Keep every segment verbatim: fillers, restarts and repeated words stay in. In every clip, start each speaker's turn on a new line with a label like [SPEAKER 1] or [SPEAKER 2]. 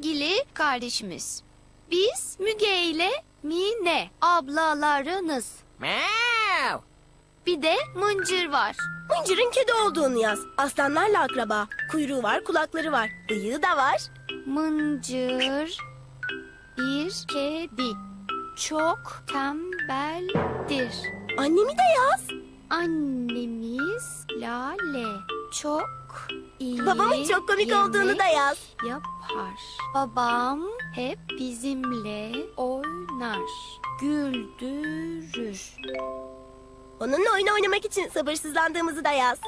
[SPEAKER 1] sevgili kardeşimiz. Biz Müge ile Mine ablalarınız.
[SPEAKER 2] Meow.
[SPEAKER 1] Bir de Mıncır var.
[SPEAKER 3] Mıncır'ın kedi olduğunu yaz. Aslanlarla akraba. Kuyruğu var, kulakları var. Bıyığı da var.
[SPEAKER 1] Mıncır bir kedi. Çok tembeldir.
[SPEAKER 3] Annemi de yaz.
[SPEAKER 1] Annemiz Lale çok iyi
[SPEAKER 3] Babamın çok komik
[SPEAKER 1] yemek
[SPEAKER 3] olduğunu da yaz.
[SPEAKER 1] yapar. Babam hep bizimle oynar, güldürür.
[SPEAKER 3] Onunla oyun oynamak için sabırsızlandığımızı da yaz.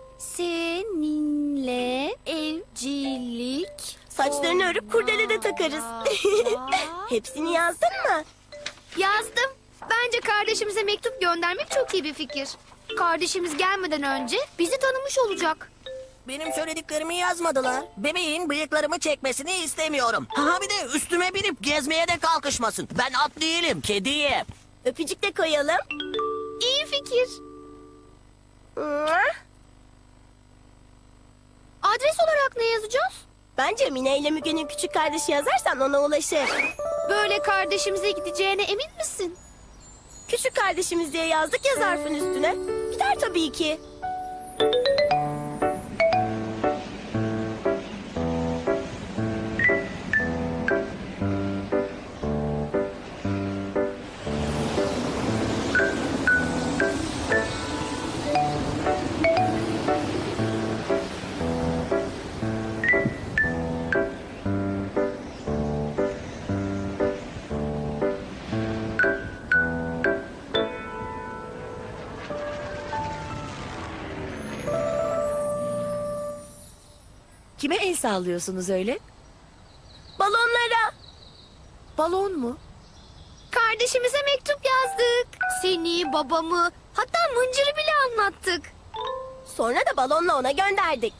[SPEAKER 1] Seninle evcilik
[SPEAKER 3] Saçlarını örüp kurdele de takarız. Hepsini yazdın mı?
[SPEAKER 1] Yazdım. Bence kardeşimize mektup göndermek çok iyi bir fikir. Kardeşimiz gelmeden önce bizi tanımış olacak.
[SPEAKER 2] Benim söylediklerimi yazmadılar. Bebeğin bıyıklarımı çekmesini istemiyorum. Ha bir de üstüme binip gezmeye de kalkışmasın. Ben at değilim, kediyim.
[SPEAKER 3] Öpücük de koyalım.
[SPEAKER 1] İyi fikir.
[SPEAKER 3] Mua.
[SPEAKER 1] Adres olarak ne yazacağız?
[SPEAKER 3] Bence Mine ile Müge'nin küçük kardeşi yazarsan ona ulaşır.
[SPEAKER 1] Böyle kardeşimize gideceğine emin misin?
[SPEAKER 3] Küçük kardeşimiz diye yazdık ya zarfın üstüne. Gider tabii ki.
[SPEAKER 4] Kime el sallıyorsunuz öyle?
[SPEAKER 3] Balonlara.
[SPEAKER 4] Balon mu?
[SPEAKER 1] Kardeşimize mektup yazdık. Seni, babamı, hatta Mıncır'ı bile anlattık.
[SPEAKER 3] Sonra da balonla ona gönderdik.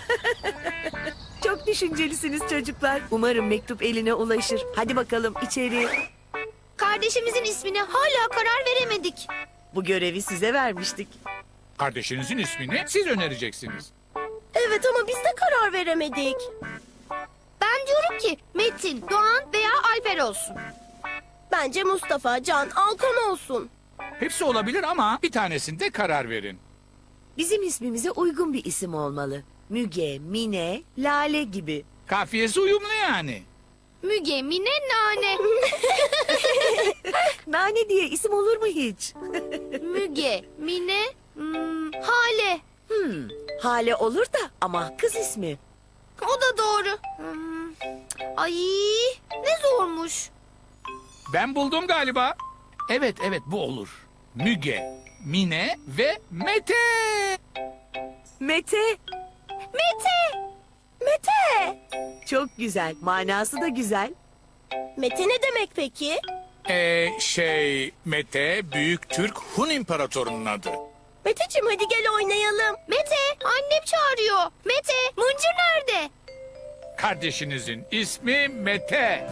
[SPEAKER 4] Çok düşüncelisiniz çocuklar. Umarım mektup eline ulaşır. Hadi bakalım içeri.
[SPEAKER 1] Kardeşimizin ismine hala karar veremedik.
[SPEAKER 4] Bu görevi size vermiştik.
[SPEAKER 5] Kardeşinizin ismini siz önereceksiniz.
[SPEAKER 3] Evet ama biz de karar veremedik.
[SPEAKER 1] Ben diyorum ki Metin, Doğan veya Alper olsun.
[SPEAKER 3] Bence Mustafa, Can, Alkan olsun.
[SPEAKER 5] Hepsi olabilir ama bir tanesinde karar verin.
[SPEAKER 4] Bizim ismimize uygun bir isim olmalı. Müge, Mine, Lale gibi.
[SPEAKER 5] Kafiyesi uyumlu yani.
[SPEAKER 1] Müge, Mine, Nane.
[SPEAKER 4] Nane diye isim olur mu hiç?
[SPEAKER 1] Müge, Mine, hmm, Hale.
[SPEAKER 4] Hmm, Hale olur da ama kız ismi.
[SPEAKER 1] O da doğru. Hmm, ay ne zormuş.
[SPEAKER 5] Ben buldum galiba. Evet evet bu olur. Müge, Mine ve Mete.
[SPEAKER 4] Mete.
[SPEAKER 1] Mete.
[SPEAKER 3] Mete.
[SPEAKER 4] Çok güzel. Manası da güzel.
[SPEAKER 3] Mete ne demek peki?
[SPEAKER 5] Ee, şey Mete Büyük Türk Hun İmparatorunun adı.
[SPEAKER 3] Meteciğim hadi gel oynayalım.
[SPEAKER 1] Mete, annem çağırıyor. Mete, Mıncır nerede?
[SPEAKER 5] Kardeşinizin ismi Mete.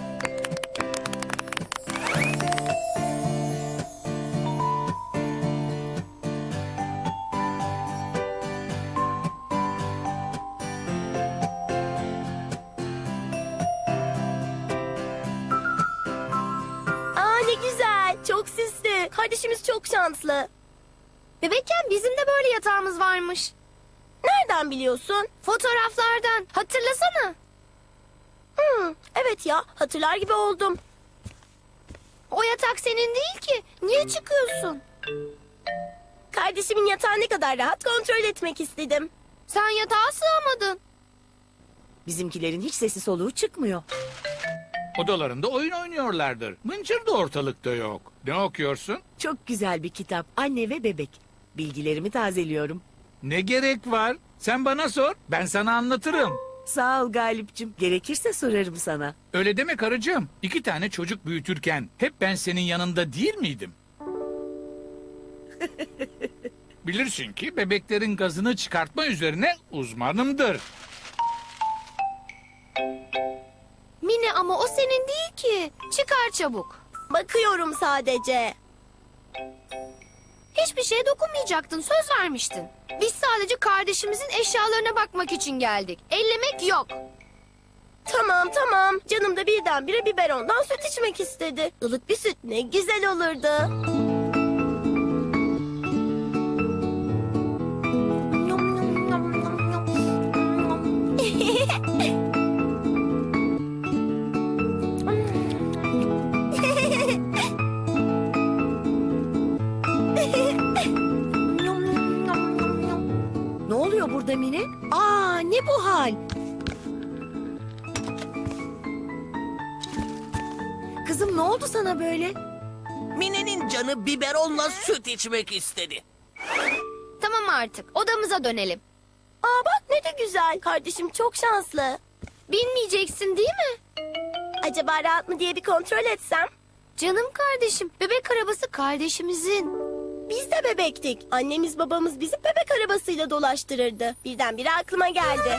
[SPEAKER 3] Aa ne güzel. Çok süslü. Kardeşimiz çok şanslı.
[SPEAKER 1] Bebekken bizim de böyle yatağımız varmış.
[SPEAKER 3] Nereden biliyorsun?
[SPEAKER 1] Fotoğraflardan. Hatırlasana.
[SPEAKER 3] Hmm, evet ya hatırlar gibi oldum.
[SPEAKER 1] O yatak senin değil ki. Niye çıkıyorsun?
[SPEAKER 3] Kardeşimin yatağı ne kadar rahat kontrol etmek istedim.
[SPEAKER 1] Sen yatağa sığamadın.
[SPEAKER 4] Bizimkilerin hiç sesi soluğu çıkmıyor.
[SPEAKER 5] Odalarında oyun oynuyorlardır. Mıncır da ortalıkta yok. Ne okuyorsun?
[SPEAKER 4] Çok güzel bir kitap. Anne ve bebek. Bilgilerimi tazeliyorum.
[SPEAKER 5] Ne gerek var? Sen bana sor, ben sana anlatırım.
[SPEAKER 4] Sağ ol Galip'cim. Gerekirse sorarım sana.
[SPEAKER 5] Öyle deme karıcığım. İki tane çocuk büyütürken hep ben senin yanında değil miydim? Bilirsin ki bebeklerin gazını çıkartma üzerine uzmanımdır.
[SPEAKER 1] Mine ama o senin değil ki. Çıkar çabuk.
[SPEAKER 3] Bakıyorum sadece.
[SPEAKER 1] Hiçbir şeye dokunmayacaktın. Söz vermiştin. Biz sadece kardeşimizin eşyalarına bakmak için geldik. Ellemek yok.
[SPEAKER 3] Tamam tamam. Canım da birdenbire biberondan süt içmek istedi. Ilık bir süt ne güzel olurdu.
[SPEAKER 4] Ne oluyor burada Mine? Aa, ne bu hal? Kızım ne oldu sana böyle?
[SPEAKER 2] Mine'nin canı biberonla süt içmek istedi.
[SPEAKER 1] Tamam artık odamıza dönelim.
[SPEAKER 3] Aa bak ne de güzel. Kardeşim çok şanslı.
[SPEAKER 1] Bilmeyeceksin değil mi?
[SPEAKER 3] Acaba rahat mı diye bir kontrol etsem?
[SPEAKER 1] Canım kardeşim, bebek arabası kardeşimizin.
[SPEAKER 3] Biz de bebektik. Annemiz babamız bizi bebek arabasıyla dolaştırırdı. Birdenbire aklıma geldi.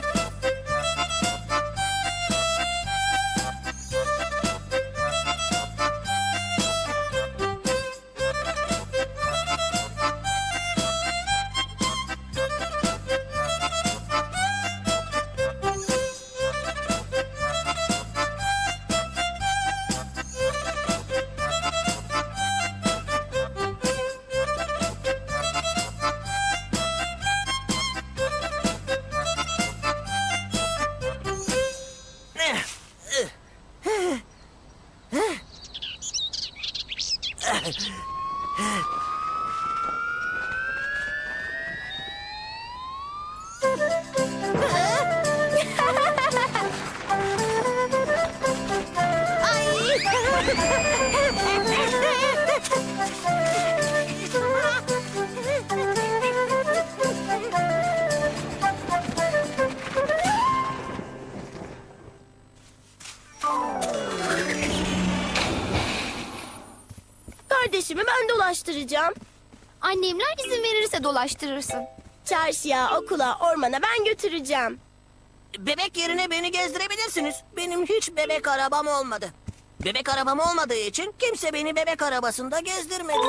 [SPEAKER 3] Kardeşimi ben dolaştıracağım.
[SPEAKER 1] Annemler izin verirse dolaştırırsın.
[SPEAKER 3] Çarşıya, okula, ormana ben götüreceğim.
[SPEAKER 2] Bebek yerine beni gezdirebilirsiniz. Benim hiç bebek arabam olmadı. Bebek arabam olmadığı için kimse beni bebek arabasında gezdirmedi.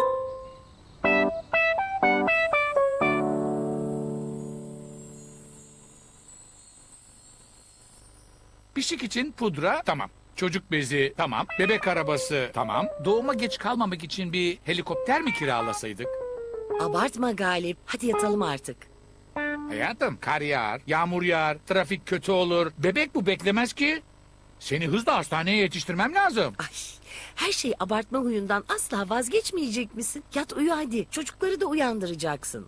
[SPEAKER 5] Pişik için pudra tamam. Çocuk bezi tamam. Bebek arabası tamam. Doğuma geç kalmamak için bir helikopter mi kiralasaydık?
[SPEAKER 4] Abartma Galip. Hadi yatalım artık.
[SPEAKER 5] Hayatım kar yağar, yağmur yağar, trafik kötü olur. Bebek bu beklemez ki. Seni hızla hastaneye yetiştirmem lazım.
[SPEAKER 4] Ay, her şeyi abartma huyundan asla vazgeçmeyecek misin? Yat uyu hadi. Çocukları da uyandıracaksın.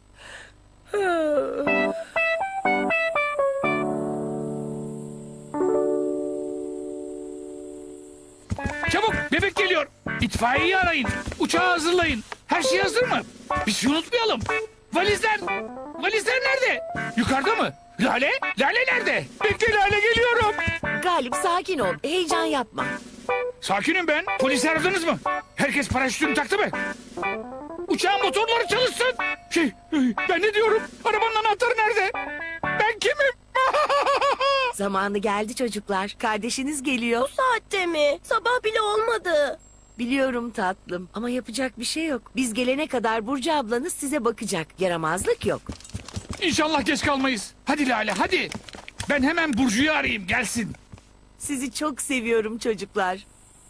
[SPEAKER 5] Çabuk bebek geliyor. İtfaiyeyi arayın. Uçağı hazırlayın. Her şey hazır mı? Bir şey unutmayalım. Valizler. Valizler nerede? Yukarıda mı? Lale? Lale nerede? Bekle Lale geliyorum.
[SPEAKER 4] Galip sakin ol. Heyecan yapma.
[SPEAKER 5] Sakinim ben. Polisi aradınız mı? Herkes paraşütünü taktı mı? Uçağın motorları çalışsın. Şey, ben ne diyorum? Arabanın anahtarı nerede? Ben kimim?
[SPEAKER 4] Zamanı geldi çocuklar. Kardeşiniz geliyor.
[SPEAKER 3] Bu saatte mi? Sabah bile olmadı.
[SPEAKER 4] Biliyorum tatlım ama yapacak bir şey yok. Biz gelene kadar Burcu ablanız size bakacak. Yaramazlık yok.
[SPEAKER 5] İnşallah geç kalmayız. Hadi Lale hadi. Ben hemen Burcu'yu arayayım gelsin.
[SPEAKER 4] Sizi çok seviyorum çocuklar.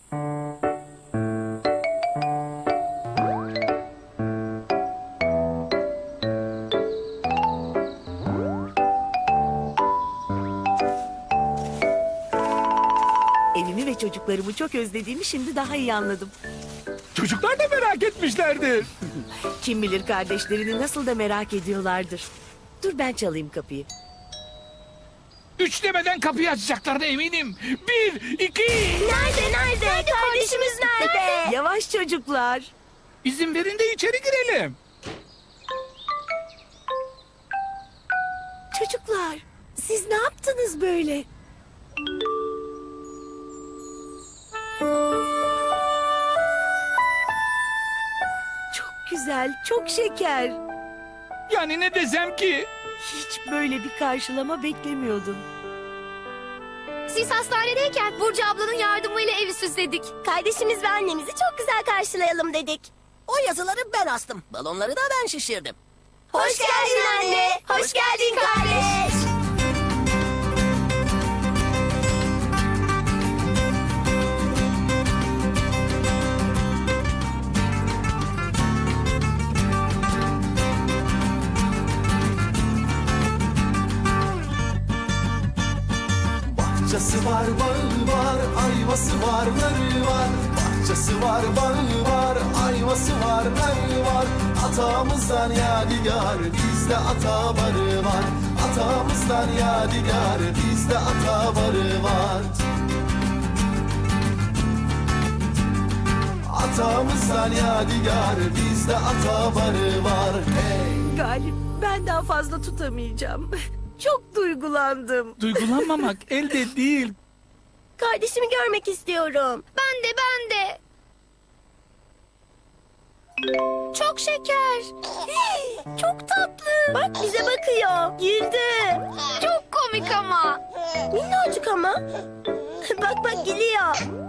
[SPEAKER 4] Evimi ve çocuklarımı çok özlediğimi şimdi daha iyi anladım.
[SPEAKER 5] Çocuklar da merak etmişlerdir.
[SPEAKER 4] Kim bilir kardeşlerini nasıl da merak ediyorlardır. Dur ben çalayım kapıyı.
[SPEAKER 5] Üç demeden kapıyı açacaklarına eminim. Bir, iki.
[SPEAKER 3] Nerede nerede? Kardeşimiz nerede?
[SPEAKER 4] Yavaş çocuklar.
[SPEAKER 5] İzin verin de içeri girelim.
[SPEAKER 4] Çocuklar siz ne yaptınız böyle? Çok güzel, çok şeker.
[SPEAKER 5] Yani ne desem ki?
[SPEAKER 4] Hiç böyle bir karşılama beklemiyordum.
[SPEAKER 1] Siz hastanedeyken Burcu ablanın yardımıyla evi süsledik.
[SPEAKER 3] Kardeşimiz ve annemizi çok güzel karşılayalım dedik.
[SPEAKER 2] O yazıları ben astım. Balonları da ben şişirdim.
[SPEAKER 3] Hoş geldin anne. Hoş geldin kardeş.
[SPEAKER 6] Bahçesi var, bağı var, ayvası var, narı var. Bahçesi var, bağı var, ayvası var, narı var. Atamızdan yadigar, bizde ata barı var. Atamızdan yadigar, bizde ata barı var. Atamızdan yadigar, bizde ata barı var. Hey!
[SPEAKER 4] Galip, ben daha fazla tutamayacağım. Çok duygulandım.
[SPEAKER 5] Duygulanmamak elde değil.
[SPEAKER 3] Kardeşimi görmek istiyorum.
[SPEAKER 1] Ben de ben de. Çok şeker.
[SPEAKER 3] Çok tatlı. Bak bize bakıyor. Güldü.
[SPEAKER 1] Çok komik ama.
[SPEAKER 3] Minnacık ama. Bak bak gülüyor.